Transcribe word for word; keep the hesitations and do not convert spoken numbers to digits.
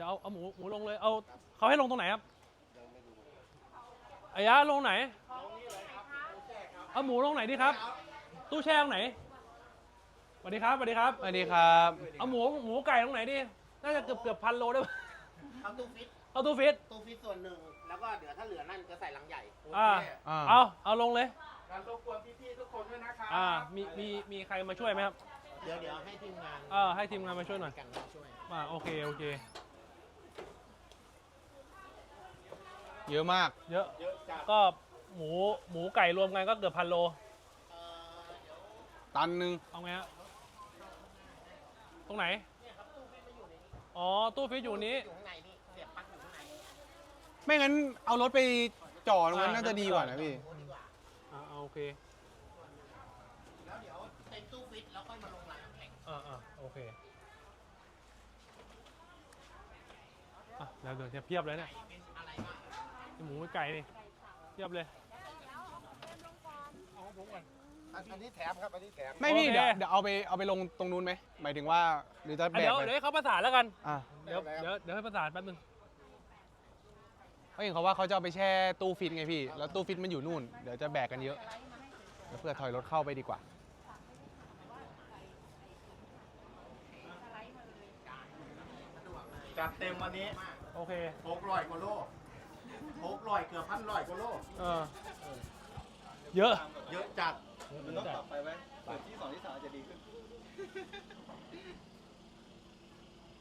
ดี๋ยวเอาเอาหมูหมูลงเลยเอาเขาให้ลงตรงไหนครับอายะลงไหนเอาหมูลงไหนดีครับตู้แช่ตรงไหนสวัสดีครับสวัสดีครับสวัสดีครับเอาหมูหมูไก่ตรงไหนดีน่าจะเกือบเกือบพันโลได้เอาตู้ฟิตเอาตู้ฟิตตู้ฟิตส่วนหนึ่งแล้วก็เดี๋ยวถ้าเหลือนั่นจะใส่ลังใหญ่อ่าเอาเอาลงเลยการรบกวนพี่ๆทุกคนด้วยนะครับอ่ามีมีมีใครมาช่วยไหมครับเดี๋ยวเดี๋ยวให้ทีมงานเออให้ทีมงานมาช่วยหน่อยกันมาช่วยอ่าโอเคโอเคเยอะมากเยอะก็หมูหมูไก่รวมกันก็เกือบพันโลตันหนึ่งเอาไงฮะตรงไหนอ๋อตู้ฟิตอยู่นี้อยู่ข้างในนี่เสียบปลั๊กอยู่ข้างในไม่งั้นเอารถไปจ่อตรงนั้นน่าจะดีกว่านะพี่อ่าโอเคแล้วเดี๋ยวเต็มตู้ฟิตแล้วค่อยมาลงร้านน้ำแข็งอ่าอ่าโอเคอ่ะเดี๋ยวเดี๋ยวจะเพียบเลยเนี่ยหมูไก่นี่เพียบเลยเอาผมก่อนอันนี้แถมครับอันนี้แถมไม่พี่เดี๋ยวเดี๋ยวเอาไปเอาไปลงตรงนู้นไหมหมายถึงว่าหรือจะแบกเดี๋ยวไปเดี๋ยวให้เขาประสานแล้วกันอ่าเดี๋ยวเดี๋ยวเดี๋ยวให้ประสานแป๊บนึงเขาเห็นเขาว่าเขาจะเอาไปแช่ตู้ฟิตไงพี่แล้วตู้ฟิตมันอยู่นู่นเดี๋ยวจะแบกกันเยอะเดี๋ยวเพื่อถอยรถเข้าไปดีกว่าจัดเต็มวันนี้โอเคหกร้อยกว่าโลหกร้อยเกือบพันร้อยกว่าโลเออเยอะเยอะจัดมันต้องปรับไปไหมเปิดที่สองที่สามจะดีขึ้น